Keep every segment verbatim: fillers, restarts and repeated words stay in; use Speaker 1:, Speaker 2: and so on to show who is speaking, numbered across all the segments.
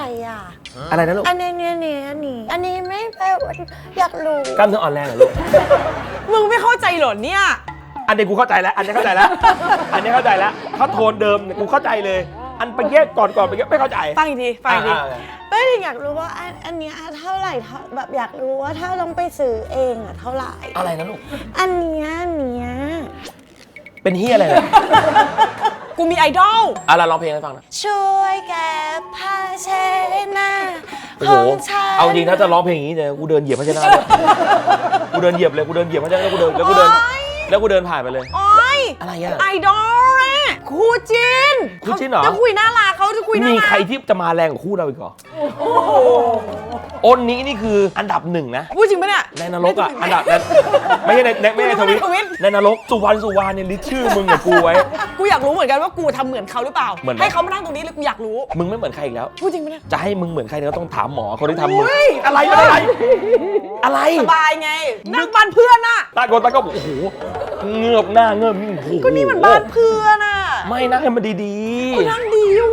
Speaker 1: อ่ะ
Speaker 2: อะไรนะลูก
Speaker 1: อันนี้เนี่ยเนี่ยอันนี้อันนี้ไม่ไปอยากรู้
Speaker 2: กล้ามเนื้ออ่อนแรงเหรอลูก
Speaker 3: มึงไม่เข้าใจเหรอเนี่ย
Speaker 2: อันนี้กูเข้าใจแล้วอันนี้เข้าใจแล้วอันนี้เข้าใจแล้วเขาโทนเดิมกูเข้าใจเลยอันไปเกี้ยก่อนก่อนไปเกี้ยไม่เข้าใจ
Speaker 3: ฟังอีกทีฟังอีกที
Speaker 1: ไม่ได้อยากรู้ว่าอันอันนี้เท่าไหร่แบบอยากรู้ว่าถ้าต้องไปซื้อเองอะเท่าไหร่
Speaker 2: อะไรนะลูก
Speaker 1: อันนี้อันนี้
Speaker 2: เป็นเฮียอะไรเนี่ย
Speaker 3: กูมีไอดอล
Speaker 2: อ่ะเราร้องเพลงให้ฟังนะ
Speaker 1: ช่วยแก้ผ้าเช็ดหน้า
Speaker 2: โอ้โหเอาจริงถ้าจะร้องเพลงอย่างนี้เนี่ยกูเดินเหยียบพระเจ้าเลยกูเดินเหยียบเลยกูเดินเหยียบพระเจ้าแล้วกูเดินแล้วกูเดินแล้วกูเดินผ่านไปเลย
Speaker 3: โอ๊ย
Speaker 2: อะไรอ่ะ
Speaker 3: ไอดอลอะคู่จิน
Speaker 2: คู่จินเหรอ
Speaker 3: จะคุยน่ารักเขาจะคุยน่ารัก
Speaker 2: มีใครที่จะมาแรงกว่าคู่เราอีกเหรออ้นนี้นี่คืออันดับหนึ่งนะ
Speaker 3: พูดจริงปะเนี่ย
Speaker 2: ในนรกอ่ะอันดับไม่ใช่ในไม่ใช่ทวิตในนรกสุวรรณสุวรรณเนี่ยลิชื่อมึงกับกูไว้
Speaker 3: กูอยากรู้เหมือนกันว่ากูทำเหมือนเขาหรือเปล่าให้เขามานั่งตรงนี้เลยกูอยากรู้
Speaker 2: มึงไม่เหมือนใครอีกแล้ว
Speaker 3: พูดจริงปะเนี่ย
Speaker 2: จะให้มึงเหมือนใครเนี่ยก็ต้องถามหมอคนที่ทำมึงอะไรอะไรอะไร
Speaker 3: สบายไงนั่งบ้านเพื่อนน่ะ
Speaker 2: ตาโกนตาก็โอ้โหเงือบหน้าเงือบโอ้โห
Speaker 3: ก็นี่มันบ้านเพื่อนน่ะ
Speaker 2: ไม่นั่งให้มันดี
Speaker 3: ๆกูนั่งดีอยู่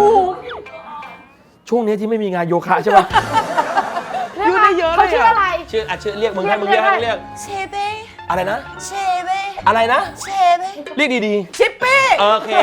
Speaker 2: ช่วงนี้ที่ไม่มีงานโยคะใช่ไหม
Speaker 3: ยืดได้เยอะเลย
Speaker 1: เขาชื่ออะไร
Speaker 2: ชื่ออ่ะชื่อเรียกมึงให้มึงเรียกให้เรียก
Speaker 1: เชเบ
Speaker 2: อะไรนะ
Speaker 1: เชเบ
Speaker 2: อะไรนะ
Speaker 1: เชเบ
Speaker 2: เรียกดี
Speaker 3: ๆชิปปี้
Speaker 2: โอเค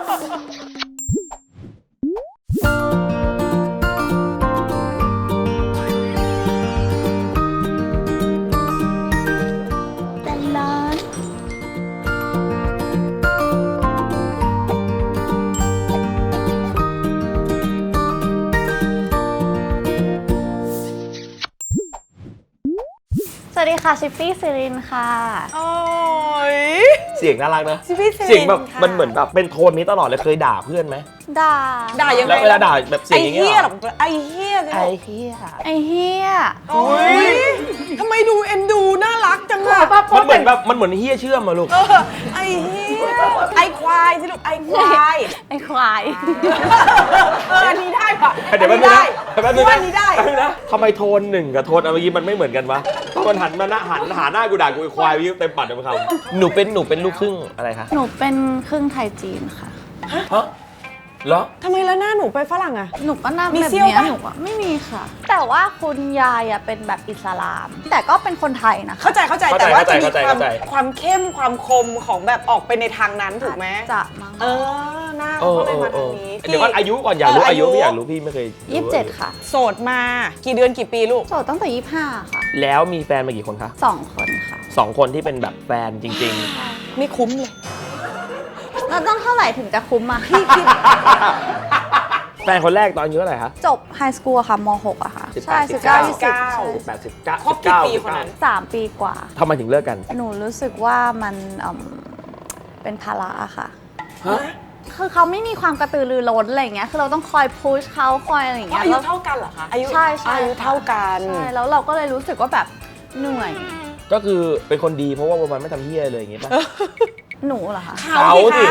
Speaker 1: สวัสดีค่ะชิปปี้ซิรินค่ะ
Speaker 3: โอ้ย
Speaker 2: เสียงน่ารักนะ
Speaker 3: ชิปปี้ซิริน
Speaker 2: เสียงแบบมันเหมือนแบบเป็นโทนนี้ตลอดเลยเคยด่าเพื่อนไหม
Speaker 1: ด่า
Speaker 3: ด่ายังไง
Speaker 2: แล้วเวลาด่าแบบเสียงอย่างเงี้ย
Speaker 3: ไอเฮีย
Speaker 2: ไอเฮีย
Speaker 1: ไอเฮีย
Speaker 3: โอ้ยทำไมดูเอ็นดูน่ารักจังอะ
Speaker 2: มันเหมือนแบบมันเหมือนเฮียเชื่อมอะลูก
Speaker 3: ไอเฮียไอควายสิลูกไอควาย
Speaker 1: ไอควาย
Speaker 3: อันนี้ได้ปะ
Speaker 2: เดี๋ยวมันได้
Speaker 3: อันนี้ได้
Speaker 2: นะทำไมโทนหนึ่งกับโทนเมื่อกี้มันไม่เหมือนกันวะตอนหันมาหน้าหันหาหน้ากูด่ากูควายวิวเต็มปัดเลยมั้งครับหนูเป็นหนูเป็นลูกครึ่งอะไรคะ
Speaker 1: หนูเป็นครึ่งไทยจีนค่ะ
Speaker 2: ฮะเหรอ
Speaker 3: ทำไมแล้วหน้าหนูไปฝรั่งอะ
Speaker 1: หนูก็หน้าแบบนี้หนูอะไม่มีค่ะแต่ว่าคุณยายอะเป็นแบบอิสลามแต่ก็เป็นคนไทยนะ
Speaker 3: เข้าใจเข้าใจแต่ว่าจะมีความความเข้มความคมของแบบออกไปในทางนั้นถูกไหม
Speaker 1: จะมั้ง
Speaker 3: เออหน้าเขาเลยมาทางนี้
Speaker 2: เดี๋ยวว่าอายุก่อนอยากรู้อายุพี่อยากรู้พี่ไม่เคย
Speaker 1: ยี่สิบเจ็ดค่ะ
Speaker 3: โสดมากี่เดือนกี่ปีลูก
Speaker 1: โสดตั้งแต่ยี่สิบห้าค่ะ
Speaker 2: แล้วมีแฟนมากี่คนคะ
Speaker 1: สองคนค่ะ
Speaker 2: สองคนที่เป็นแบบแฟนจริง
Speaker 3: ๆไม่คุ้มเลย
Speaker 1: เราต้องเท่าไหร่ถึงจะคุ้มมา
Speaker 3: พี่คิด
Speaker 2: แฟนคนแรกตอนอายุเท่าไหร่คะ
Speaker 1: จบไฮสคูลค่ะม หกอะค่ะ
Speaker 2: ใช่สิบเก้าสิบเก้าสิบแปดสิบเก้า
Speaker 3: ครบกี่ปีคนนั้น
Speaker 1: สามปีกว่า
Speaker 2: ทำไมถึงเลิกกัน
Speaker 1: หนูรู้สึกว่ามันเป็นภาระค่ะ
Speaker 2: ฮะ
Speaker 1: คือเขาไม่มีความกระตือรือร้นอะไรอย่างเงี้ยคือเราต้องคอยพุชเขาคอยอะไรอย่างเงี้ย
Speaker 3: อายุเท่ากันเหรอคะอายุ
Speaker 1: ใช่ใช่
Speaker 3: อายุเท่ากัน
Speaker 1: ใช่แล้วเราก็เลยรู้สึกว่าแบบเหนื่อย
Speaker 2: ก็คือเป็นคนดีเพราะว่าวันไม่ทำเหี้ยเลยอย่างเงี้ยป่ะ
Speaker 1: หนูเหรอคะ
Speaker 2: เขาดิ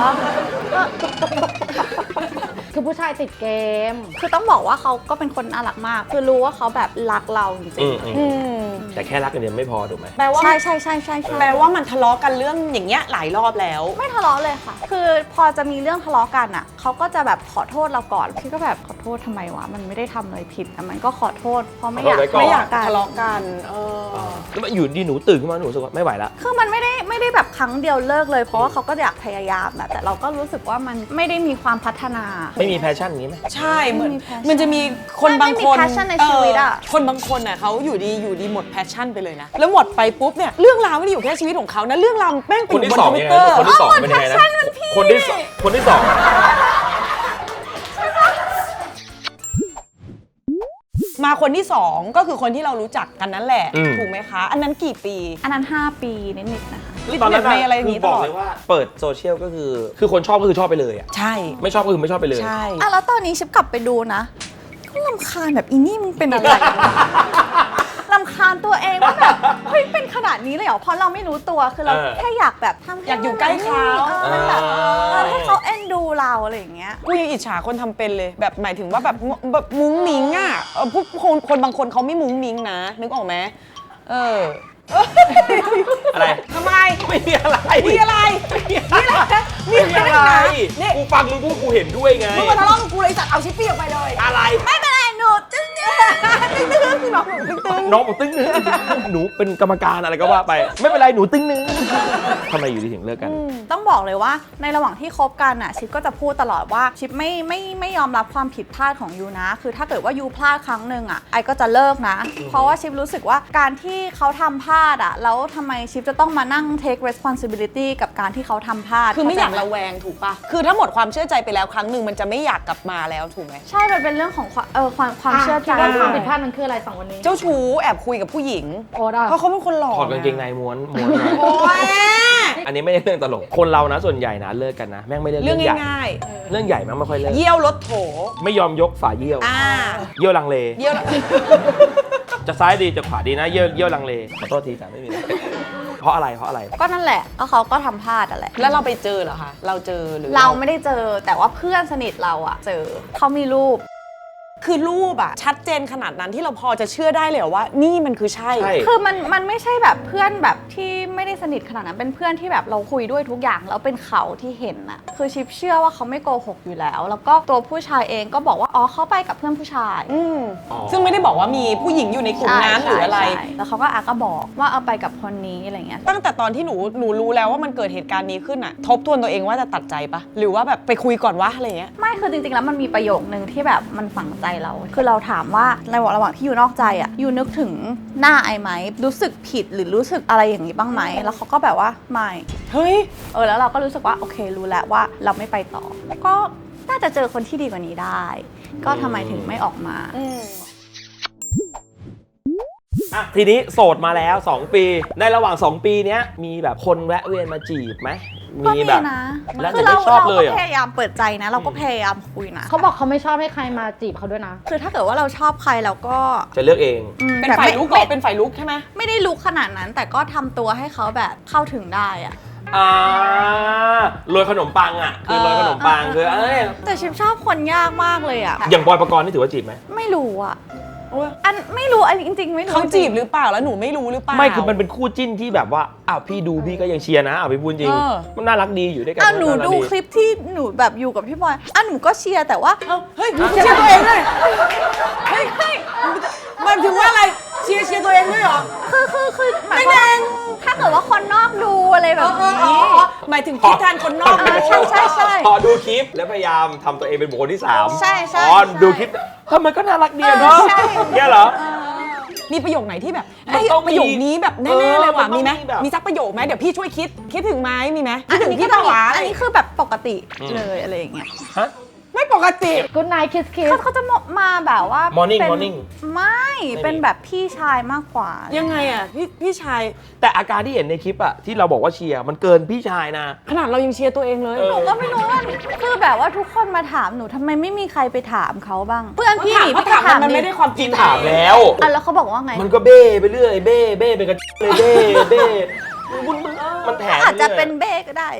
Speaker 1: คือผู้ชายติดเกมคือต้องบอกว่าเขาก็เป็นคนน่ารักมากคือรู้ว่าเขาแบบรักเราจริง
Speaker 2: ๆแต่แค่รักกันเดียวไม่พอถูกไหม
Speaker 3: แปลว่า
Speaker 1: ใช่ใช่ใช่ใช่
Speaker 3: แปลว่ามันทะเลาะกันเรื่องอย่างเงี้ยหลายรอบแล้ว
Speaker 1: ไม่ทะเลาะเลยค่ะคือพอจะมีเรื่องทะเลาะกันอ่ะเขาก็จะแบบขอโทษเราก่อนพี่ก็แบบขอโทษทำไมวะมันไม่ได้ทำอะไรผิดแต่มันก็ขอโทษเพราะไม่อยาก
Speaker 3: ไม่อยากทะเลาะกันเออ
Speaker 2: แล้วอยู่ดีหนูตื่นขึ้นมาหนูรู้สึกว่าไม่ไหวละ
Speaker 1: คือมันไม่ได้ไม่ได้แบบครั้งเดียวเลิกเลยเพราะว่าเขาก็อยากพยายามนะแต่เราก็รู้สึกว่ามันไม่ได้มีความพัฒนา
Speaker 2: ไม่มีแพชชั่นอย่างนี้ไหม
Speaker 3: ใช่เหมือนมันจะมีคนบางคน
Speaker 1: แพชชั่นในชีวิตอะ
Speaker 3: คนบางคนอ่ะเขาอยู่ดีอยู่ดีหมดแพชชั่นไปเลยนะแล้วหมดไปปุ๊บเนี่ยเรื่องราวไม่ได้อยู่แค่ชีวิตของเขานะเรื่องราวแม่งติดบนคอมพิวเตอร์
Speaker 2: คนที่สองเป็นยังไงนะคนที่สองคนที่สอง
Speaker 3: มาคนที่สองก็คือคนที่เรารู้จักกันนั่นแหละถูกไหมคะอันนั้นกี่ปี
Speaker 1: อันนั้นห้าปีนิดๆนะคะ
Speaker 2: ตอนนั้นอะไรอย่างนี้ตลอดว่าเปิดโซเชียลก็คือคือคนชอบก็คือชอบไปเลยอ่ะ
Speaker 3: ใช่
Speaker 2: ไม่ชอบก็คือไม่ชอบไปเลย
Speaker 3: ใช่
Speaker 1: อ่ะแล้วตอนนี้ชิปกลับไปดูนะก็รำคาญแบบอีนี่มึงเป็นอะไรรำคาญตัวเองว่าแบบเฮ้ยเป็นขนาดนี้เลยเหรอเพราะเราไม่รู้ตัวคือเราแค่อยากแบบทำ
Speaker 3: อยากอยู่ใกล้เขา
Speaker 1: แบบให้เขาเอ็นดูเราอะไรอย่างเงี้ย
Speaker 3: กูยังอิจฉาคนทำเป็นเลยแบบหมายถึงว่าแบบแบบมุ้งมิ้งอ่ะพวกคนคนบางคนเขาไม่มุ้งมิ้งนะนึกออกไหมเออ
Speaker 2: อะไร
Speaker 3: ทำไม
Speaker 2: ไม่มีอะไร
Speaker 3: มีอะไรมีอะไรมีอะไรนี่
Speaker 2: กูฟังมึงพูดกูเห็นด้วยไง
Speaker 3: มึงมาทะเลาะกับกูเลยจัดเอาชิปปี้ออกไปเลย
Speaker 2: อะไร
Speaker 1: ไม่เป็นไรหนูตึ้งตึ้ง
Speaker 3: ตึ้งตึ้งพี่บอกหนูตึ้งตึ้ง
Speaker 2: น้องบอกตึ้งนึงหนูเป็นกรรมการอะไรก็ว่าไป ไม่เป็นไรหนูตึ้งนึงทำไมอยู่ดีถึงเลิกกัน
Speaker 1: ต้องบอกเลยว่าในระหว่างที่คบกันอ่ะชิปก็จะพูดตลอดว่าชิปไม่ไม่ไม่ยอมรับความผิดพลาดของยูนะคือถ้าเกิดว่ายูพลาดครั้งหนึ่งอ่ะไอก็จะเลิกนะ เพราะว่าชิปรู้สึกว่าการที่เขาทำพลาดอ่ะแล้วทำไมชิปจะต้องมานั่ง take responsibility กับการที่เขาทำพลาด
Speaker 3: คือไม่อยาก
Speaker 1: เข้
Speaker 3: ระแวงถูกปะคือถ้าหมดความเชื่อใจไปแล้วครั้งหนึ่งมันจะไม่อยากกลับมาแล้วถูกไหม
Speaker 1: ใช่มันเป็นเรื่องของความเออความความเชื่อใจ
Speaker 4: คิดว่าความผิดพลาดมันคืออะไรสองคนนี้
Speaker 3: เจ้าชู้แอบคุยกับผู้หญิง
Speaker 4: โอ๊ตอะ
Speaker 3: เพราะเขาเป็นคนหล่อ
Speaker 2: ถอดกางเกงในม้วนม้วนไว้
Speaker 3: โอ้ย
Speaker 2: อันนี้ไม่ได้เรื่องตลก คนเรานะส่วนใหญ่นะเลิกกันนะแม่งไม่ได้
Speaker 3: เรื่
Speaker 2: เรื่
Speaker 3: อ
Speaker 2: อง งใหญ่
Speaker 3: ง่าย
Speaker 2: เรื่องใหญ่แม่งไม่ค่อยเลิก
Speaker 3: ๆ เยี่ยวรถโถ
Speaker 2: ไม่ยอมยกฝาเยี่ยว
Speaker 3: อ่า
Speaker 2: เยี่ยวลังเล
Speaker 3: เยี่ยว
Speaker 2: จะซ้ายดีจะขวาดีนะเยี่ยวเยี่ยวลังเลขอโทษทีแต่ไม่มีอะไรเพราะอะไรเพราะอะไร
Speaker 1: ก็นั่นแหละก็เขาก็ทำพลาดอ่ะแหละ
Speaker 3: แล้วเราไปเจอเหรอคะ เราเจอหรือ
Speaker 1: เราไม่ได้เจอแต่ว่าเพื่อนสนิทเราอะเจอเขามีรูป
Speaker 3: คือรูปอะชัดเจนขนาดนั้นที่เราพอจะเชื่อได้เลยเหรอว่า นี่มันคือใช่
Speaker 2: ใช่
Speaker 1: คือมันมันไม่ใช่แบบเพื่อนแบบที่ไม่ได้สนิทขนาดนั้นเป็นเพื่อนที่แบบเราคุยด้วยทุกอย่างแล้วเป็นเขาที่เห็นอะคือชิปเชื่อว่าเขาไม่โกหกอยู่แล้ว แล้วก็ตัวผู้ชายเองก็บอกว่าอ๋อเขาไปกับเพื่อนผู้ชาย
Speaker 3: อืม
Speaker 2: อ๋อ
Speaker 3: ซึ่งไม่ได้บอกว่ามีผู้หญิงอยู่ในกลุ่มนั้นหรืออะไร
Speaker 1: ใช่ใช่แล้วเขาก็อาก็บอกว่าเอาไปกับคนนี้อะไรเงี้ย
Speaker 3: ตั้งแต่ตอนที่หนูหนูรู้แล้วว่ามันเกิดเหตุการณ์นี้ขึ้นอะทบทวนตัวเองว่าจะตัดใจปะหรือว่าแบบไปคุยก่อนวะอะไรเงี้ย
Speaker 1: ไม่คือจริงๆแล้วมันมีประโยคนึงที่แบบมันฝังใจเรา คือเราถามว่าในระหว่างที่อยู่นอกใจอ่ะอยู่นึกถึงหน้าไอไหมรู้สึกผิดหรือรู้สึกอะไรอย่างนี้บ้างไหมแล้วเขาก็แบบว่าไม่
Speaker 3: เฮ้ย
Speaker 1: เออแล้วเราก็รู้สึกว่าโอเครู้แล้วว่าเราไม่ไปต่อ ก็น่าจะเจอคนที่ดีกว่านี้ได้ ก็ทำไมถึงไม่ออกมา
Speaker 2: อ่ะทีนี้โสดมาแล้วสองปี ในระหว่างสองปีเนี้ยมีแบบคนแวะเวียนมาจีบไหม
Speaker 1: ก็มี
Speaker 2: แบบ
Speaker 1: นะ
Speaker 2: แล้ว
Speaker 1: คื
Speaker 2: แต่
Speaker 1: เรา
Speaker 2: ไม่ชอบ
Speaker 1: เรา
Speaker 2: เล
Speaker 1: ก็
Speaker 2: ยเหรอ
Speaker 1: พยายามเปิดใจนะ เราก็พยายามคุยนะ
Speaker 4: เขาบอกเขาไม่ชอบให้ใครมาจีบเขาด้วยนะ
Speaker 1: คือถ้าเกิดว่าเราชอบใครเราก็
Speaker 2: จะเลือกเอง
Speaker 1: อืม
Speaker 3: เป็น
Speaker 1: แบบ
Speaker 3: ฝ่าย
Speaker 1: ไม่
Speaker 3: ลุกเหร
Speaker 1: ไม่
Speaker 3: อเป็นฝ่ายลุกใช่ไหม
Speaker 1: ไม่ได้ลุกขนาดนั้น แต่ก็ทำตัวให้เขาแบบเข้าถึงได้อะ
Speaker 2: อ่าโรยขนมปังอ่ะคือโรยขนมปังคือเอ้ย
Speaker 1: แต่ชิมชอบคนยากมากเลยอะ
Speaker 2: อย่างบอยปกรณ์นี่ถือว่าจีบไหม
Speaker 1: ไม่รู้อะ
Speaker 3: โอ๊ย
Speaker 1: อันไม่รู้อันจริงๆไม่รู้
Speaker 3: เขาจีบหรือเปล่าแล้วหนูไม่รู้หรือเปล่า
Speaker 2: ไม่คือมันเป็นคู่จิ้นที่แบบว่าอ้าวพี่ดูพี่ก็ยังเชียร์นะอ้าวพี่พูดจริง
Speaker 3: เออ
Speaker 2: มันน่ารักดีอยู่ด้วยกัน
Speaker 1: อ่ะหนู
Speaker 2: ารัก
Speaker 1: ดูคลิปที่หนูแบบอยู่กับพี่บอยอ่ะหนูก็เชียร์แต่ว่า
Speaker 3: เอ้าเฮ้ยเชียร์ตัวเองด้วยเฮ้ยเฮ้ยมันถึงว่าอะไรเชียร์เชียร์ตัวเองด้วยเหรอ
Speaker 1: คือคือคือหมายความว่าถ้าเกิดว่าคนนอกดูอะไรแบบ
Speaker 3: เออเออ
Speaker 1: นี้
Speaker 3: เออหมายถึงคิดแทนคนนอก
Speaker 1: อ่าใช่ใช่ใช่
Speaker 2: พอดูคลิปแล้วพยายามทำตัวเองเป็นบุคคลที่สาม
Speaker 1: ใช่ใช่
Speaker 2: อ๋อ
Speaker 1: ใช่
Speaker 2: ดูคลิปเฮ้ยมันก็น่ารักดีอะเนาะ
Speaker 1: เออใช่
Speaker 2: เนี่ยเหรอ
Speaker 3: มีประโยคไหนที่แบบ
Speaker 2: มัน
Speaker 3: เอ้ย
Speaker 2: ต้องมี
Speaker 3: ประโยคนี้แบบ
Speaker 2: เอ
Speaker 3: แน่
Speaker 2: อ
Speaker 3: ๆเลยว่ะ
Speaker 2: มันต้อง
Speaker 3: มีไหม
Speaker 2: มีแบบ
Speaker 3: มีสักประโยคไหมเดี๋ยวพี่ช่วยคิดคิดถึงไหมมีไหม
Speaker 1: อั
Speaker 3: คิด
Speaker 1: น
Speaker 3: ถึง
Speaker 1: นี้
Speaker 3: พี่
Speaker 1: ก็
Speaker 3: ปะวะ
Speaker 1: อันนี้คือแบบปกติเลยอะไรอย่างเงี้ย
Speaker 2: ฮะ
Speaker 3: ไม่ปกติ
Speaker 4: Good night kiss kiss
Speaker 1: เขาเขาจะมาแบบว่า
Speaker 2: Morning
Speaker 1: เป็น
Speaker 2: Morning
Speaker 1: ไม่
Speaker 2: ไม่
Speaker 1: เป็นแบบพี่ชายมากกว่า
Speaker 3: ยังไงอ่ะพี่พี่ชาย
Speaker 2: แต่อาการที่เห็นในคลิปอะที่เราบอกว่าเชียร์มันเกินพี่ชายนะ
Speaker 3: ขนาดเรายังเชียร์ตัวเองเลย
Speaker 2: เออ
Speaker 1: หนูก็ไม่รู้ว่าคือแบบว่าทุกคนมาถามหนูทำไมไม่มีใครไปถามเขาบ้าง เพื่อนพี่
Speaker 3: ถาม
Speaker 1: พี่
Speaker 3: เขาถามมันไม่ได้ความจริ
Speaker 2: กิ
Speaker 3: ง
Speaker 2: นถามแล้ว
Speaker 1: อ่ะแล้วเขาบอกว่าไง
Speaker 2: มันก็เบ้ไปเรื่อยเบ้เบ้ไปกันเลยเบ้เบ้มึงมึงมันแถม
Speaker 1: อาจจะ
Speaker 2: รื่ย
Speaker 1: เป็นเบ้ก็ได้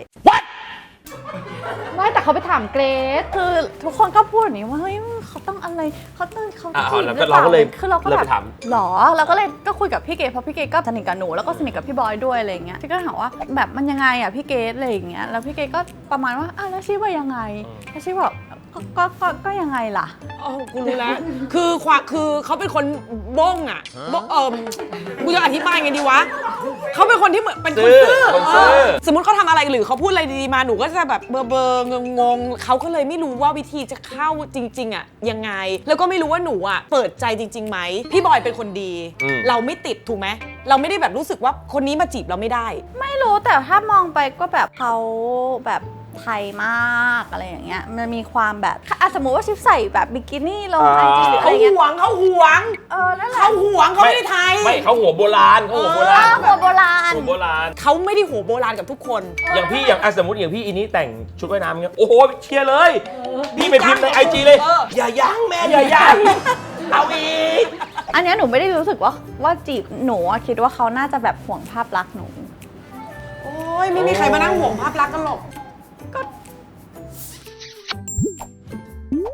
Speaker 4: ไม่แต่เขาไปถามเกรซ
Speaker 1: คือทุกคนก็พูดอย่างนี้ว่าเฮ้ยเขาต้องอะไรเขาต้องเขา
Speaker 2: อ่ะ
Speaker 1: จีบ
Speaker 2: แล้ว
Speaker 1: ห
Speaker 2: ก็
Speaker 1: รือเปล่า
Speaker 2: เราก็เลย
Speaker 1: คือเราก็
Speaker 2: เลย
Speaker 1: แบ
Speaker 2: ไป
Speaker 1: บ
Speaker 2: ถาม
Speaker 1: หรอเราก็เลยก็คุยกับพี่เกดเพราะพี่เกดก็สนิทกับหนูแล้วก็สนิทกับพี่บอยด้วยอะไรอย่างเงี้ยพี่ก็ถามว่าแบบมันยังไงอ่ะพี่เกดอะไรอย่างเงี้ยแล้วพี่เกดก็ประมาณว่าอ่ะแล้วชี้ว่ายังไงแล้วชี้บอกก็ก็ก็ก็ยังไงล่ะ
Speaker 3: อ๋อกูรู้แล้ว คือความคือเขาเป็นคนบ้งอ่ะบ้งเออกูจะอธิบายไงดีวะเขาเป็นคนที่เหมือนเป็นคนซื่อ
Speaker 2: คนซื่อ
Speaker 3: เออสมมติเขาทำอะไรหรือเขาพูดอะไรดีๆมาหนูก็จะแบบเบอร์เบอร์งงงๆเขาก็เลยไม่รู้ว่าวิธีจะเข้าจริงๆอ่ะยังไง แล้วก็ไม่รู้ว่าหนูอ่ะเปิดใจจริงๆไหมพี่บอยเป็นคนดี
Speaker 2: อืม
Speaker 3: เราไม่ติดถูกไหมเราไม่ได้แบบรู้สึกว่าคนนี้มาจีบเราไม่ได้
Speaker 1: ไม่รู้แต่ถ้ามองไปก็แบบเขาแบบไทยมากอะไรอย่างเงี้ยมันมีความแบบอ่ะสมมติว่าชิปใส่แบบบิกินี่ลงไอจีหรืออะ
Speaker 3: เขา
Speaker 1: ไรเงี้ย
Speaker 3: หวงเขาหวง
Speaker 1: เออนั่นแหละ
Speaker 3: เขาหวงเขาไม่ได้ไทย
Speaker 2: ไม่เขาหัวโบราณเขาหัวโบ
Speaker 1: เอ
Speaker 2: ราณ
Speaker 1: อหัวโบราณ
Speaker 2: หัวโบราณ
Speaker 3: เขาไม่ได้หัวโบราณกับทุกคน
Speaker 2: อย่างพี่อย่างอ่ะสมมติอย่างพี่อีนี้แต่งชุดว่ายน้ำเงี้ยโอ้โหเชียร์เลย พี่ไปพิมพ์ในไอจีเลย
Speaker 3: เออ
Speaker 2: อย่ายั้งแม่อย่ายั้งเอาอีก
Speaker 1: อันเนี้ยหนูไม่ได้รู้สึกว่าว่าจีบหนูอะคิดว่าเขาน่าจะแบบห่วงภาพลักษณ์หนู
Speaker 3: โอ้ยไม่มีใครมานั่งห่วงภาพลักษณ์กันหรอก
Speaker 2: แ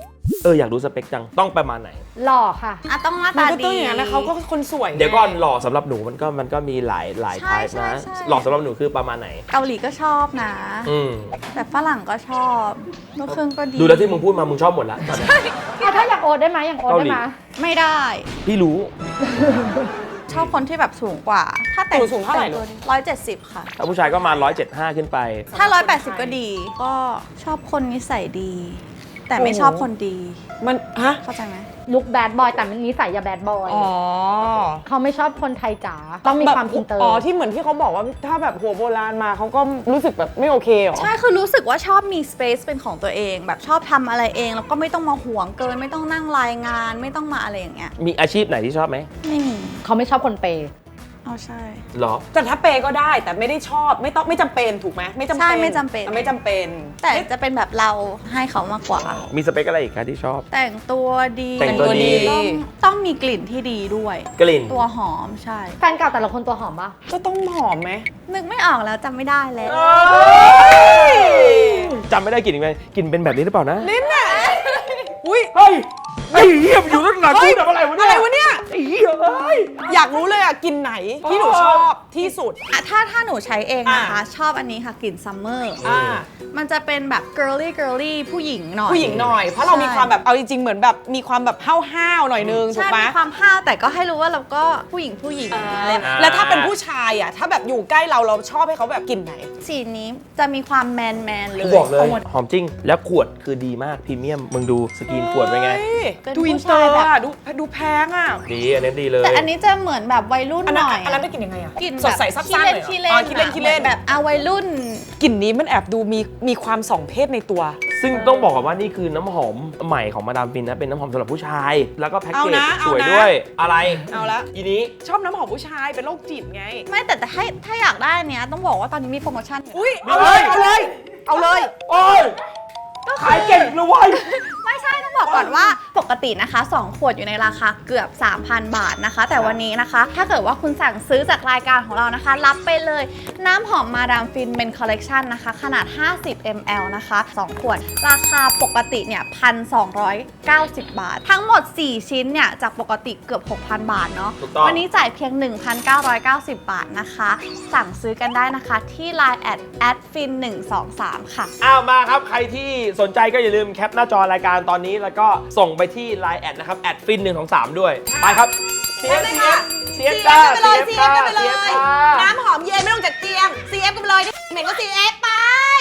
Speaker 2: เอออยากรู้สเปคจังต้องประมาณไหน
Speaker 4: หล่อค่ะ
Speaker 1: อ่ะต้องหน้า
Speaker 3: มัน
Speaker 1: ตา
Speaker 3: ก็
Speaker 1: ดี
Speaker 3: ต้องอย่างนั้นนะเขาก็คนสวยไง
Speaker 2: เดี๋ยวก่อนหล่อสำหรับหนูมันก็มันก็มีหลายหลาย
Speaker 1: ใช่
Speaker 2: ไทป์
Speaker 1: ใช่
Speaker 2: นะ
Speaker 1: ใช่
Speaker 2: หล่อสำหรับหนูคือประมาณไหน
Speaker 1: เกาหลีก็ชอบนะ
Speaker 2: อืม
Speaker 1: แต่ฝรั่งก็ชอบลูกครึ่งก็ดี
Speaker 2: ดูแล้วที่มึงพูดมามึงชอบหมดละตอนนี้
Speaker 4: เอาถ้าอย่างโอ๊ตได้ไหมอย่างโอ๊ตได้ไหม
Speaker 1: ไม่ได้
Speaker 2: พี่รู้
Speaker 1: ชอบคนที่แบบสูงกว่า ถ้าแต่ง
Speaker 3: หนูสูงเท่าไหร่ลูก
Speaker 1: ร้อยเจ็ดสิบค่ะ
Speaker 2: ถ้าผู้ชายก็มาหนึ่งร้อยเจ็ดสิบห้าขึ้นไป
Speaker 1: ถ้าร้อยแปดสิบก็ดี ก็ชอบคนนิสัยดี แต่ไม่ชอบคนดี
Speaker 3: มันฮะ
Speaker 1: เข้าใจไหม
Speaker 4: ลุคแบดบอยแต่มันนิสัยอย่าแบดบอย
Speaker 3: อ๋อ
Speaker 4: เขาไม่ชอบคนไทยจ๋าต้องมีความอินเตอร์
Speaker 3: อ๋อที่เหมือนที่เขาบอกว่าถ้าแบบหัวโบราณมาเขาก็รู้สึกแบบไม่โอเคเหรอ
Speaker 1: ใช่ คือรู้สึกว่าชอบมี space เป็นของตัวเอง แบบชอบทำอะไรเอง แล้วก็ไม่ต้องมาห่วงเกิน ไม่ต้องนั่งรายงาน ไม่ต้องมาอะไรอย่างเงี้ย
Speaker 2: มีอาชีพไหนที่ชอบไหม
Speaker 1: ไม่มี
Speaker 4: เขาไม่ชอบคนเปย์
Speaker 1: เอาใช่
Speaker 2: หรอ
Speaker 3: แต่ถ้าเปย์ก็ได้แต่ไม่ได้ชอบไม่ต้องไม่จำเป็นถูกไหมไม่จำเป็น
Speaker 1: ใช่ไม่จำเป็น
Speaker 3: อ่ะไม่จำเป็น
Speaker 1: แต่จะเป็นแบบเราให้เขามากกว่า
Speaker 2: มีสเปคอะไรอีกคะที่ชอบ
Speaker 1: แต่งตัวดี
Speaker 2: แต่งตัวดี
Speaker 1: ต้องต้องมีกลิ่นที่ดีด้วย
Speaker 2: กลิ่น
Speaker 1: ตัวหอมใช่
Speaker 4: แฟนเก่าแต่ละคนตัวหอมปะ
Speaker 3: ก็ต้องหอมไหม
Speaker 1: นึกไม่ออกแล้วจำไม่ได้แล้ว
Speaker 2: จำไม่ได้กลิ่นอีกไหมกลิ่นเป็นแบบนี้หรือเปล่านะ
Speaker 3: ลิ้นน่ะอุ้ย
Speaker 2: เฮ้ยไอ้เหี้ยมันอยู่ตั้งนานกูทำอะไรวะเนี่ย
Speaker 3: อะไรวะเนี่ย
Speaker 2: ไอ้เหี้ยเอ้ย
Speaker 3: อยากรู้เลยอ่ะกินไหนที่หนูชอบที่สุด
Speaker 1: อะถ้าถ้าหนูใช้เองนะคะ
Speaker 3: อ่ะ
Speaker 1: ชอบอันนี้ค่ะกลิ่นซัมเมอร์
Speaker 3: อ่า
Speaker 1: มันจะเป็นแบบ girly girly ผู้หญิงหน่อย
Speaker 3: ผู้หญิงหน่อย เพราะเรามีความแบบเอาจริงๆเหมือนแบบมีความแบบห้าวๆหน่อยนึงถู
Speaker 1: ใช่
Speaker 3: กไหม
Speaker 1: มีความห้าวแต่ก็ให้รู้ว่าเราก็ผู้หญิงผู้หญิงอะไรแบบ
Speaker 3: แล้วถ้าเป็นผู้ชายอ่ะถ้าแบบอยู่ใกล้เราเราชอบให้เขาแบบกินไหน
Speaker 1: สีนี้จะมีความแมนแมนเลย
Speaker 2: กูบอกเลย
Speaker 1: าหมด
Speaker 2: หอมจริง แล้วขวดคือดีมากพรีเมียม มึงดูสกรีนขวดเป็นไง
Speaker 3: เฮ้ย
Speaker 1: เป็น
Speaker 3: ดู
Speaker 1: ผู้
Speaker 3: อินเตอ
Speaker 1: ชาย
Speaker 3: ร์
Speaker 1: แบบ
Speaker 3: อ่ะดูดูแพงอ่ะ
Speaker 2: ดีอันนี้ดีเลย
Speaker 1: แต่อันนี้จะเหมือนแบบวัยรุ่น
Speaker 3: อัน
Speaker 1: ห
Speaker 3: นั้น
Speaker 1: น่อย
Speaker 3: อันนั้นได้กินยังไงอ่ะ
Speaker 1: กลิ่น
Speaker 3: สดใสซับซ้านเลย
Speaker 1: ขี้
Speaker 3: เหร
Speaker 1: เล่
Speaker 3: อน อ๋อขี้เล่นขี้เล่น
Speaker 1: แบบเอาวัยรุ่น
Speaker 3: กลิ่นนี้มันแอบดูมีมีความสองเพศในตัว
Speaker 2: ซึ่งต้องบอกก่อนว่านี่คือน้ำหอมใหม่ของมาดามฟินนะ เป็นน้ำหอมสำหรับผู้ชาย แล้วก็แพ็กเก
Speaker 3: เอา
Speaker 2: จ
Speaker 3: นะ
Speaker 2: สวย
Speaker 3: เอานะ
Speaker 2: ด้วย อะไร
Speaker 3: เอาละ
Speaker 2: อีนี้
Speaker 3: ชอบน้ำหอมผู้ชายเป็นโรคจิตไง
Speaker 1: ไม่แต่แต่ให้ถ้าอยากได้อันเนี้ยต้องบอกว่าตอนนี้มีโปรโมชั่นอยู่
Speaker 3: อุ้ยเอาเลยเอาเลย เอาเลย
Speaker 2: โอ้ย ขายเก่งเลยเว้ย
Speaker 1: ไม่ใช่ต้องบอกก่อนว่าปกตินะคะสองขวดอยู่ในราคาเกือบ สามพัน บาทนะคะ แต่วันนี้นะคะ ถ้าเกิดว่าคุณสั่งซื้อจากรายการของเรานะคะ รับไปเลยน้ำหอมมาดามฟินเป็นคอลเลกชันนะคะ ขนาด ห้าสิบมิลลิลิตร นะคะสองขวด ราคาปกติเนี่ย หนึ่งพันสองร้อยเก้าสิบ บาท ทั้งหมด สี่ ชิ้นเนี่ยจากปกติเกือบ หกพัน บาทเนาะ
Speaker 2: ถูกต้อง
Speaker 1: วันนี้จ่ายเพียง หนึ่งพันเก้าร้อยเก้าสิบ บาทนะคะ สั่งซื้อกันได้นะคะที่ ไลน์ แอด แอดฟินหนึ่งสองสาม ค่ะ
Speaker 2: อ้าวมาครับ ใครที่สนใจก็อย่าลืมแคปหน้าจอรายการตอนนี้ แล้วก็ส่งไปที่ ไลน์ แอดนะครับ แอดฟินหนึ่งสองสามด้วย ไปครับเสีย
Speaker 3: ได้
Speaker 2: เสี
Speaker 3: เลย
Speaker 2: ย
Speaker 3: ค่ะ
Speaker 2: เสียจ้า
Speaker 3: ซี
Speaker 2: เสี
Speaker 3: เอย ฟกันไปเลย
Speaker 2: จ้า
Speaker 3: ซี
Speaker 2: เสี
Speaker 3: เอย ฟกันไปเลย
Speaker 2: จ้า
Speaker 3: น้ำหอมเย็นไม่ต้องจากเตียง ซี เอฟ กันไปเลยเหม็นก็ ซี เอฟ ไป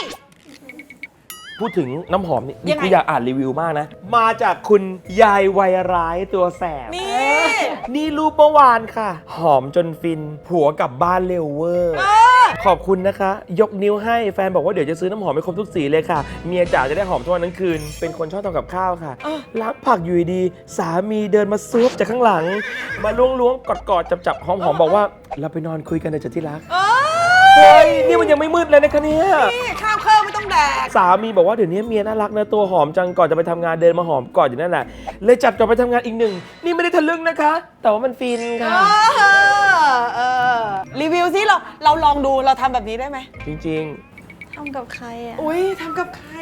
Speaker 2: พูดถึงน้ำหอมนี่
Speaker 3: ยังไง
Speaker 2: กูอยากอ่านรีวิวมากนะ มาจากคุณยายวัยร้ายตัวแสบ
Speaker 3: นี่
Speaker 2: นี่รูปเมื่อวานค่ะ หอมจนฟิน ผัวกลับบ้านเร็วเวอร์ ขอบคุณนะคะ ยกนิ้วให้แฟนบอกว่าเดี๋ยวจะซื้อน้ำหอมให้ครบทุกสีเลยค่ะ เมียจ๋าจะได้หอมทุกวันทั้งคืน เป็นคนชอบทำกับข้าวค่ะ ล้างผักอยู่ดีๆสามีเดินมาซุบจากข้างหลัง มาล้วงๆกอดๆจับๆหอมๆบอกว่าเราไปนอนคุยกันเถอะจ้ะที่รัก
Speaker 3: เออ
Speaker 2: เฮ้ยนี่มันยังไม่มืดเลยนะคะเนี่ย
Speaker 3: นี่ข้าวเครื่องไม่ต้องแดก
Speaker 2: สามีบอกว่าเดี๋ยวนี้เมียน่ารักนะตัวหอมจังก่อนจะไปทำงานเดินมาหอมก่อนอยู่นั่นแหละเลยจับจอบไปทำงานอีกหนึ่งนี่ไม่ได้ทะลึ่งนะคะ แต่ว่ามันฟินค่ะ
Speaker 3: เออเออรีวิวซิเราเราลองดูเราทำแบบนี้ได้ไหม
Speaker 2: จริง
Speaker 1: ทำกับใครอ่ะ
Speaker 3: อุ้ยทำกับใคร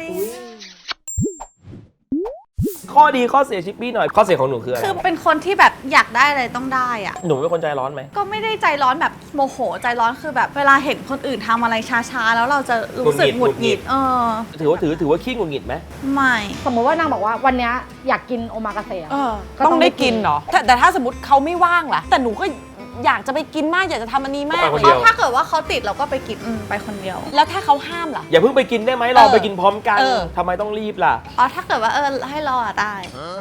Speaker 2: ๆ ข้อดีข้อเสียชิปปี้หน่อยข้อเสียของหนูคืออะไร
Speaker 1: คือเป็นคนที่แบบอยากได้อะไรต้องได้อ่ะ
Speaker 2: หนูเป็นคนใจร้อนไหม
Speaker 1: ก็ไม่ได้ใจร้อนแบบโมโหใจร้อนคือแบบเวลาเห็นคนอื่นทำอะไรช้าๆ แล้วเราจะรู้สึกห
Speaker 2: ห
Speaker 1: งุ
Speaker 2: งุ
Speaker 1: ด
Speaker 2: ด
Speaker 1: ห
Speaker 2: หงิ
Speaker 1: งิด
Speaker 2: ด
Speaker 1: เออ
Speaker 2: ถือว่าถือถือว่าขี้หงุดหงิดไหม
Speaker 1: ไม่
Speaker 4: สมมติว่านางบอกว่าวันเนี้ยอยากกินโอมากาเสะ
Speaker 3: เออ
Speaker 4: ก็ต้
Speaker 3: ต้อ
Speaker 4: อง ง
Speaker 3: ได้
Speaker 4: ได้กิ
Speaker 3: กิน
Speaker 4: น
Speaker 3: เหรอแต่แต่ถ้าสมมติเขาไม่ว่างล่ะ แต่หนูก็อยากจะไปกินมากอยากจะทำอันนี้มาก
Speaker 2: ไปคน
Speaker 1: เพ
Speaker 2: เดียว
Speaker 1: ราะถ้าเกิดว่าเขาติดเราก็ไปกินอืมไปคนเดียว
Speaker 3: แล้วถ้าเขาห้ามล่ะ
Speaker 2: อย่าเพิ่งไปกินได้ไหมรอไปกินพร้อมกัน
Speaker 3: เออ
Speaker 2: ทำไมต้องรีบล่ะ
Speaker 1: อ๋อถ้าเกิดว่าเออให้รออะได้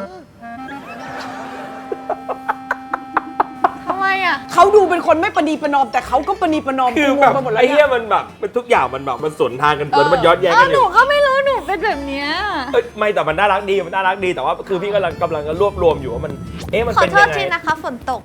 Speaker 1: ทำไมอ่ะ
Speaker 3: เขาดูเป็นคนไม่ประนีประนอมแต่เขาก็ประนีประนอม
Speaker 2: คือ
Speaker 3: กูง
Speaker 2: แบ
Speaker 3: ง
Speaker 2: บ
Speaker 3: ไปหมดแล้ว
Speaker 2: ไอ้
Speaker 3: เนี่
Speaker 2: เหี้ย
Speaker 3: ย
Speaker 2: มันแบบมันทุกอย่างมันแบบมันสวนทางกัน
Speaker 3: เออ
Speaker 2: มันย้อนแย้ง
Speaker 1: เอ
Speaker 2: กั
Speaker 1: อน
Speaker 2: อ
Speaker 1: หนู
Speaker 2: ยู่
Speaker 1: ก็ไม่รู้หนูเป็นแบบเนี้ย
Speaker 2: เอ้ยไม่แต่มันน่ารักดีมันน่ารักดีแต่ว่าคือพี่กำลังกำลังรวบรวมอยู่ว่ามันเอ๊ะมัน
Speaker 1: ขอ
Speaker 2: เป็น
Speaker 1: โท
Speaker 2: ยั
Speaker 1: ษ
Speaker 2: งไง
Speaker 1: ทีนะคะฝนตก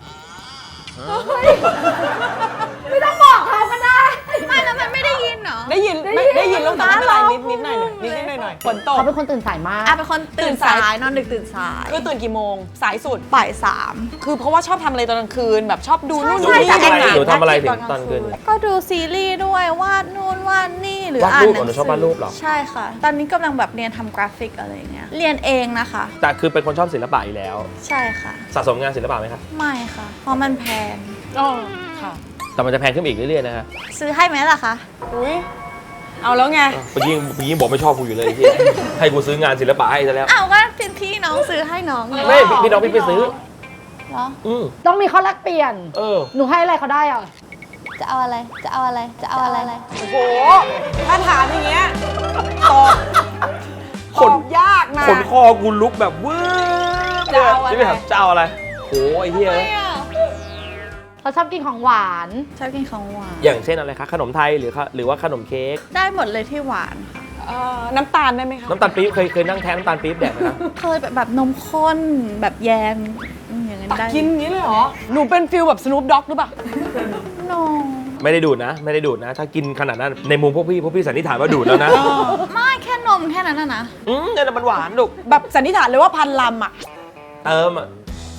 Speaker 4: ไม่ต้องบอกเขาก็ได้
Speaker 1: ไม่แล้วมันไม่ได้ยินเหรอ
Speaker 3: ได้ยินไม่ได้ยินแล้วแต่ไม่เป็นไรนิดนิดหน่อยหน่อยนิดนิดหน่อยหน่อยน่อยฝนตก
Speaker 4: เขาเป็นคนตื่นสายมาก
Speaker 1: อ่ะเป็นคนตื่น
Speaker 3: ตื่นสา
Speaker 1: สาย ยนอนดึกตื่นสาย
Speaker 3: คือตื่นกี่โมงสายสุด
Speaker 1: บ่ายสาม
Speaker 3: คือเพราะว่าชอบทำอะไรตอนกลางคืนแบบชอบดูนู่นดู
Speaker 1: ใช่
Speaker 3: นี่
Speaker 1: ใช่
Speaker 3: ดูหนัง
Speaker 2: หนูทำอะไรถึงตอนคืน
Speaker 1: ก็ดูซีรีส์ด้วยวาดนู่นวาดนี่หรือ
Speaker 2: วาด
Speaker 1: อ่าน
Speaker 2: รูป
Speaker 1: หนัง
Speaker 2: เหรอหนูช
Speaker 1: สื
Speaker 2: อบวาดรูปเหรอ
Speaker 1: ใช่ค่ะ ตอนนี้กำลังแบบเรียนทำกราฟิกอะไรอย่างเงี้ยเรียนเองนะคะ
Speaker 2: แต่คือเป็นคนชอบศิลปะอยู่แล้ว
Speaker 1: ใช่ค่ะ
Speaker 2: สะสมงานศิลปะไหมครับ
Speaker 1: ไม่ค่ะ เพราะมันแพง
Speaker 3: อ๋อค่ะ
Speaker 2: แต่มันจะแพงขึ้นอีกเรื่อยๆนะฮะ
Speaker 1: ซื้อให้ไหมล่ะคะ
Speaker 3: อุ้ยเอาแล้วไง
Speaker 2: เมื่อกี้เมื่อกี้บอกไม่ชอบกูอยู่เลยไอ้เหี้ยให้กูซื้องานศิลปะให้ซะแล้ว
Speaker 1: อ้าวก็พี่พี่น้องซื้อให้น้อง
Speaker 2: ไม่พี่พี่น้องพี่ไปซื้อ
Speaker 1: เหรอ
Speaker 2: อืม
Speaker 4: ต้องมีข้อแลกเปลี่ยน
Speaker 2: เออ
Speaker 4: หนูให้อะไรเขาได้อ่ะ
Speaker 1: จะเอาอะไรจะเอาอะไรจะเอาอะไร
Speaker 3: โอ้โหถ้าถามอย่างเงี้ยตอบ
Speaker 2: ข
Speaker 3: ต
Speaker 2: น
Speaker 3: อบยากนะ
Speaker 2: ขนคอกูลุกแบบวืบ
Speaker 3: จะเอาอะไร
Speaker 2: นี่ไม่ถามจะเอาอะไรโอ้ยไอ้เหี้ย
Speaker 4: เขาชอบกินของหวาน
Speaker 1: ชอบกินของหวาน
Speaker 2: อย่างเช่นอะไรคะขนมไทยหรือคะหรือว่าขนมเค้ก
Speaker 1: ได้หมดเลยที่หวานค่ะ
Speaker 3: เอ่อน้ำตาลได้ไหมคะ
Speaker 2: น้ำตาลปี๊บเคยเคยนั่งแท้น้ำตาลปี๊บแดกไหมครับ
Speaker 1: เคยแบบแบบนมข้นแบบแยมอืมอย่างนั้น
Speaker 3: ตัก
Speaker 1: ได้
Speaker 3: กินอย่างนี้เลยเหรอ หนูเป็นฟิลแบบส n ู o ด็อกหรือเปล่า
Speaker 1: โน
Speaker 2: ไม่ได้ดูดนะ ไม่ได้ดูดนะ ถ้ากินขนาดนั้นในมุมพวกพี่พวกพี่สันนิษฐานว่าดูดแล้วนะ
Speaker 1: ไม่แค่นมแค่นั้นนะนะ
Speaker 2: อืมเนี่ยมันหวานลูก
Speaker 3: แบบสันนิษฐานเลยว่าพันลำอ่ะ
Speaker 2: เติมอ่ะ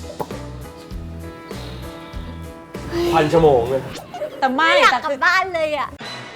Speaker 2: พันชั่วโมงเลย
Speaker 3: แต่ไม่
Speaker 1: อยาก
Speaker 3: แต่
Speaker 1: กลั
Speaker 3: คื
Speaker 1: บ
Speaker 3: อ
Speaker 1: บ้านเลยอ่ะ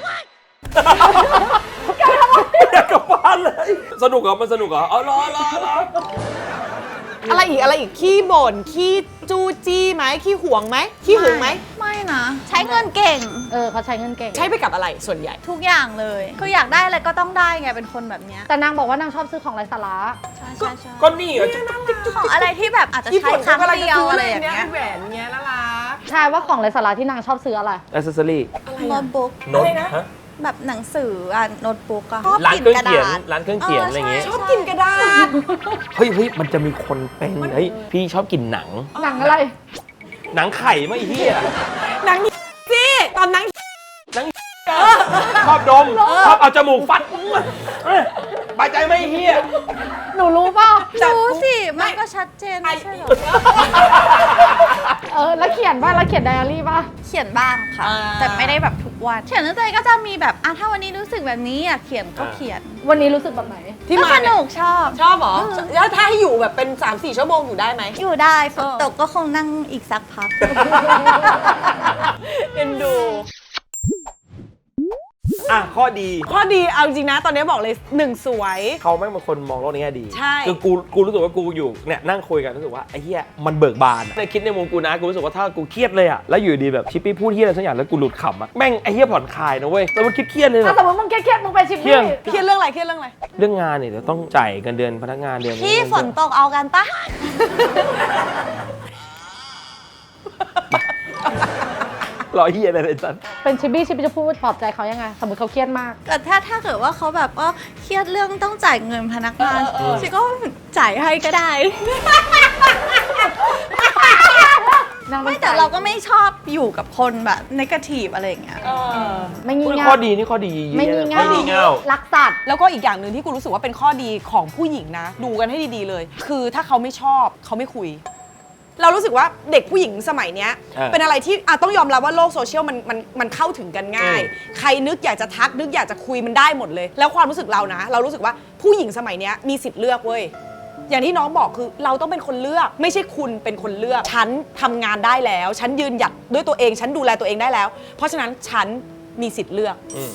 Speaker 2: อยากกลับบ้านเลย สนุกเหรอมันสนุกเหรอเอารอรอรอ
Speaker 3: อะไรอีกอะไรอีกขี้บ่นขี้จู้จี้ไหมขี้หวงไหมขี้หึงไหม
Speaker 1: ไม่นะ ใช้เงินเก่ง
Speaker 4: เออเขาใช้เงินเก่ง
Speaker 3: ใช้ไปกับอะไรส่วนใหญ่
Speaker 1: ทุกอย่างเลยคืออยากได้อะไรก็ต้องได้ไงเป็นคนแบบเนี้ย
Speaker 4: แต่นางบอกว่านางชอบซื้อของไร้สาระ
Speaker 1: ใช่ใช่ใช่
Speaker 2: ก็นี่เหรอ
Speaker 1: ของอะไรที่แบบอาจจะ
Speaker 3: ญี่
Speaker 1: ใช้
Speaker 3: ปุ่น
Speaker 1: ครั้ง
Speaker 3: กำลัง
Speaker 1: เดี
Speaker 3: จะ
Speaker 1: ยว
Speaker 3: ซื้อ
Speaker 1: อะ
Speaker 3: อะไร ไรอย่
Speaker 1: อา
Speaker 3: ย่าง ง
Speaker 1: เงี้
Speaker 3: เงี้
Speaker 1: ย
Speaker 3: ยแหวนเงี้ยน่ารัก
Speaker 4: ใช่ว่าของไร้สาระที่นางชอบซื้ออะไร
Speaker 2: อ c เซสซอรี่
Speaker 1: โน้ตบุ๊ก
Speaker 2: โน้ต
Speaker 3: อะไรนะ
Speaker 2: ฮะ
Speaker 1: แบบหนังสืออ่ะโน้ตบุ๊กอะ
Speaker 2: ร้านเครื่องเขียนร้านเครื่องเขียนอะไรอย่างเงี้ย
Speaker 3: ชอบกินกระดาษ
Speaker 2: เฮ้ยเฮ้ยมันจะมีคนเป็นเฮ้ยพี่ชอบกินหนัง
Speaker 4: หนังอะไร
Speaker 2: หนังไข่ไม่เฮีย
Speaker 3: หนังสิตอนหนัง
Speaker 2: ชอบดมชอบเอาจมูกฟัดเอ้ยบายใจไหม่เฮีย
Speaker 4: หนูรู้เปล่า
Speaker 1: รู้สิมันก็ชัดเจนไม่ใช่เหรอ
Speaker 4: เออ แล้วเขียนป่ะ แล้วเขียนไดอารี่ป่ะ
Speaker 1: เขียนบ้างค่ะ แต่ไม่ได้แบบทุกวันเขียนตั้งใจก็จะมีแบบอ่ะถ้าวันนี้รู้สึกแบบนี้อ่ะเขียนก็เขียน
Speaker 4: วันนี้รู้สึกแบบไหน
Speaker 3: ที่
Speaker 1: ก็
Speaker 3: มา
Speaker 1: ส
Speaker 3: เนี่ย
Speaker 1: นุกชอบ
Speaker 3: ชอบเหรอ แล้วถ้าให้อยู่แบบเป็น สามสี่ ชั่วโมงอยู่ได้ไหม
Speaker 1: อยู่ได้ฝนตกก็คงนั่งอีกสักพัก
Speaker 3: เอ็นดู
Speaker 2: อ่ะข้อดี
Speaker 3: ข้อดีเอาจริงนะตอนนี้บอกเลยหนึ่งสวย
Speaker 2: เขาไม่เป็นคนมองโลกในแง่ดี
Speaker 3: ใช่
Speaker 2: คือกูกูรู้สึกว่ากูอยู่เนี่ยนั่งคุยกันรู้สึกว่าไอ้เหี้ยมันเบิกบานอะในคิดในมุมกูนะกูรู้สึกว่าถ้ากูเครียดเลยอะแล้วอยู่ดีแบบชิปปี้พูดเหี้ยอะไรสักอย่างแล้วกูหลุดขำอะแม่งไอ้เหี้ยผ่อนคลายนะเว้ยแต่มันคิดเครียดเลยแบ
Speaker 4: ถ้า
Speaker 2: บ
Speaker 4: สมมติมึงเครียดๆมึงไปชิป
Speaker 2: เครีย
Speaker 4: ปี้
Speaker 2: ด
Speaker 3: เครียดเรื่องอะไรเครียดเรื่องอะไร
Speaker 2: เรื่องงานเนี่ยเดี๋ยวต้องจ่ายเงินเดือนพนักงานเดือน
Speaker 1: พี่ฝนตกเอากันปะ
Speaker 2: รอเหี้ยอะไรเลยจัน
Speaker 4: เป็นชิปปี้ชิปปี้จะพูดปลอบใจเขายังไง สมมติเขาเครียดมาก
Speaker 1: แต่ถ้าถ้าเกิดว่าเขาแบบว่าเครียดเรื่องต้องจ่ายเงินพนักงานชิก็จ่ายให้ก็ได้
Speaker 4: นางเป็
Speaker 1: ไม่
Speaker 4: น
Speaker 1: แต่
Speaker 4: สย
Speaker 1: เราก็ไม่ชอบอยู่กับคนแบบนกาทีฟอะไรอย่างเงี้ย
Speaker 4: ไม่งี่
Speaker 2: อุ๊ย
Speaker 4: เง่า
Speaker 2: ข้อดีนี่ข้อดี
Speaker 4: ไม่งี่
Speaker 2: ไม่งี่
Speaker 4: เง่า
Speaker 2: เง่า
Speaker 4: รักสัตว์
Speaker 3: แล้วก็อีกอย่างหนึ่งที่กูรู้สึกว่าเป็นข้อดีของผู้หญิงนะ ดูกันให้ดีๆเลย คือถ้าเขาไม่ชอบเขาไม่คุย เรารู้สึกว่าเด็กผู้หญิงสมัยเนี้ย
Speaker 2: เออ
Speaker 3: เป็นอะไรที่อ่ะต้องยอมรับว่าโลกโซเชียลมันมันมันเข้าถึงกันง่าย
Speaker 2: อืม
Speaker 3: ใครนึกอยากจะทักนึกอยากจะคุยมันได้หมดเลย แล้วความรู้สึกเรานะ เรารู้สึกว่าผู้หญิงสมัยเนี้ยมีสิทธิ์เลือกเว้ยอย่างที่น้องบอกคือเราต้องเป็นคนเลือก ไม่ใช่คุณเป็นคนเลือกฉันทำงานได้แล้ว ฉันยืนหยัดด้วยตัวเอง ฉันดูแลตัวเองได้แล้ว เพราะฉะนั้นฉันมีสิทธิ์เลือก
Speaker 2: อืม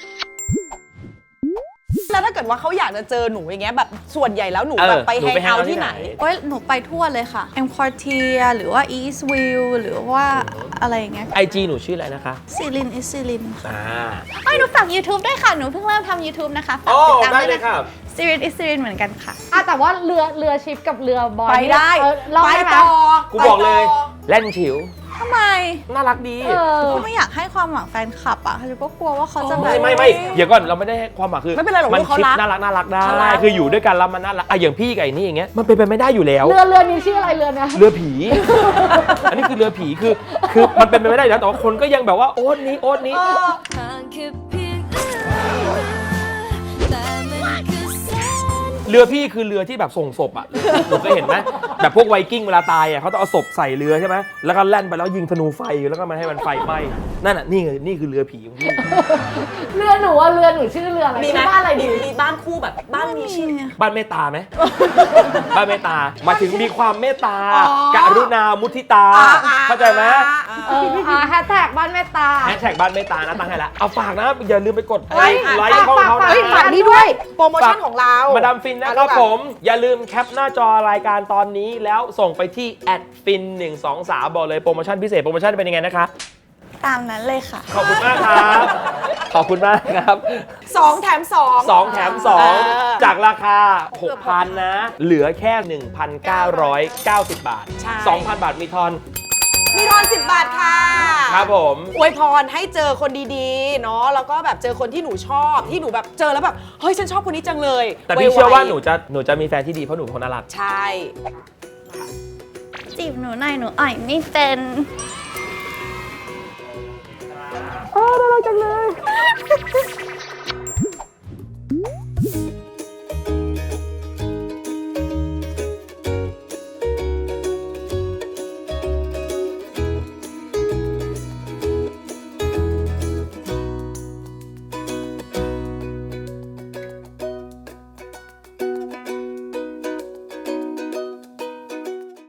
Speaker 3: แล้วถ้าเกิดว่าเขาอยากจะเจอหนูอย่างเงี้ยแบบส่วนใหญ่แล้วหนู
Speaker 2: เออ
Speaker 3: แบบไป
Speaker 2: หนู
Speaker 3: แฮง
Speaker 2: ไป
Speaker 3: เอาท์
Speaker 2: hang out ที่
Speaker 3: ที่ไหน
Speaker 2: ไหน
Speaker 1: โอ้ยหนูไปทั่วเลยค่ะ M Quartier หรือว่า East View หรือว่าอะไรอย่างเงี้ย
Speaker 2: ไอจีหนูชื่ออะไรนะคะ
Speaker 1: ซิลินอิซิลินค่ะ
Speaker 2: อ่า
Speaker 1: เอ้ยหนูฝาก YouTube ด้วยค่ะ หนูเพิ่งเริ่มทำ YouTube นะคะฝาก
Speaker 2: โอ้
Speaker 1: ติดตาม
Speaker 2: ได้
Speaker 1: ด้วย
Speaker 2: เลย
Speaker 1: นะ
Speaker 2: ครั
Speaker 1: คะ
Speaker 2: บ
Speaker 1: ซิลินอิซิลินเหมือนกันค่ะ
Speaker 4: อ่ะแต่ว่าเรือเรือชิปกับเรือบอย
Speaker 3: ไปได้
Speaker 4: เออลอง
Speaker 3: ไป
Speaker 4: ได้ไหม
Speaker 3: ต่อ
Speaker 2: กูบอกเลย
Speaker 3: ไปต่อ
Speaker 2: แล่นฉิว
Speaker 1: ทำไม
Speaker 2: น่ารักดี
Speaker 4: เออ
Speaker 1: ก็ไม่อยากให้ความหวังแฟนคลับอ่ะฉันก็กลัวว่าเขาจะแบ
Speaker 2: ไม่
Speaker 1: บ
Speaker 2: ไม่ไม่เดี๋ยวก่อนเราไม่ได้ให้ความหมายคือ
Speaker 3: ไม่เป็นไรหรอก
Speaker 2: มัน
Speaker 3: ลูกเขา
Speaker 2: คิด
Speaker 3: รัก
Speaker 2: น่ารักน่ารักได้
Speaker 3: เขารัก
Speaker 2: คืออยู่ด้วยกันแล้วมันน่ารักอ่ะอย่างพี่กับไอ้นี่อย่างเงี้ยมันเป็นไปไม่ได้อยู่แล้ว
Speaker 4: เรือเรือนี้ชื่ออะไรเรือเนี่ย
Speaker 2: เรือผี อันนี้คือเรือผีคือคือมันเป็นไปไม่ได้อยู่แล้วแต่ว่าคนก็ยังแบบว่าโอ๊ตนี้โอ๊ตนี้
Speaker 5: ทางแค่เพียงเอื้อมมือแต่มันคือแสน
Speaker 2: เรือพี่คือเรือที่แบบส่งศพอ่ะหนูเคยเห็นไหมแบบพวกไวกิ้งเวลาตายอ่ะเขาต้องเอาศพใส่เรือใช่ไหมแล้วก็แล่นไปแล้วยิงธนูไฟแล้วก็มาให้มันไฟไหม้นั่นน่ะนี่คือนี่คือเรือผีของพี่
Speaker 4: เรือหนูอะเรือหนูชื่อเรืออะไร
Speaker 3: มีไหม
Speaker 4: ชื่อบ้านอะไรดี
Speaker 3: มีบ้านคู่แบบบ้านมีชื่อ
Speaker 2: บ้านเมตตาไหม บ้านเมตตาหมายถึงมีความเมตตา
Speaker 3: อ๋อ
Speaker 2: กรุณามุทิตา
Speaker 3: อ่าอ่า
Speaker 2: เข้าใจไหม
Speaker 4: เอออ่าแฮชแท็กบ้านเมตตา
Speaker 2: แฮชแท็กบ้านเมตตานะตั้งให้แล้วเอาฝากนะอย่าลืมไปกด
Speaker 3: เฮ้ย
Speaker 2: ไลค์ช่องเขานะ
Speaker 3: เฮ้ยฝากนี่ด้วย โปรโมชั่นของเรา
Speaker 2: มาดามฟินนะครับผม อย่าลืมแคปหน้าจอรายการตอนนี้แล้วส่งไปที่แอดฟินหนึ่งสองสามบอกเลยโปรโมชั่นพิเศษโปรโมชั่นเป็นยังไงนะคะ
Speaker 1: ตามนั้นเลยค่ะ
Speaker 2: ขอบคุณมากครับ ขอบคุณมากครับ
Speaker 3: สองแถมสอง
Speaker 2: สองแถมสอง
Speaker 3: เออ
Speaker 2: จากราคา หกพัน นะ เหลือแค่ หนึ่งพันเก้าร้อยเก้าสิบ บาท
Speaker 3: ใช่
Speaker 2: สองพัน บาทมีทอน
Speaker 3: มีทอนสิบบาทค่ะ
Speaker 2: ครับผม
Speaker 3: อวยพรให้เจอคนดีๆ เนาะ แล้วก็แบบเจอคนที่หนูชอบ ที่หนูแบบเจอแล้วแบบ เฮ้ย ฉันชอบคนนี้จังเลย
Speaker 2: แต่พี่
Speaker 3: ไๆ
Speaker 2: เชื่อว่าหนูจะหนูจะมีแฟนที่ดีเพราะหนูเป็นคนน่ารัก
Speaker 3: ใช่
Speaker 1: จีบหนูหน่อยหนูอ่อยไม่เป็น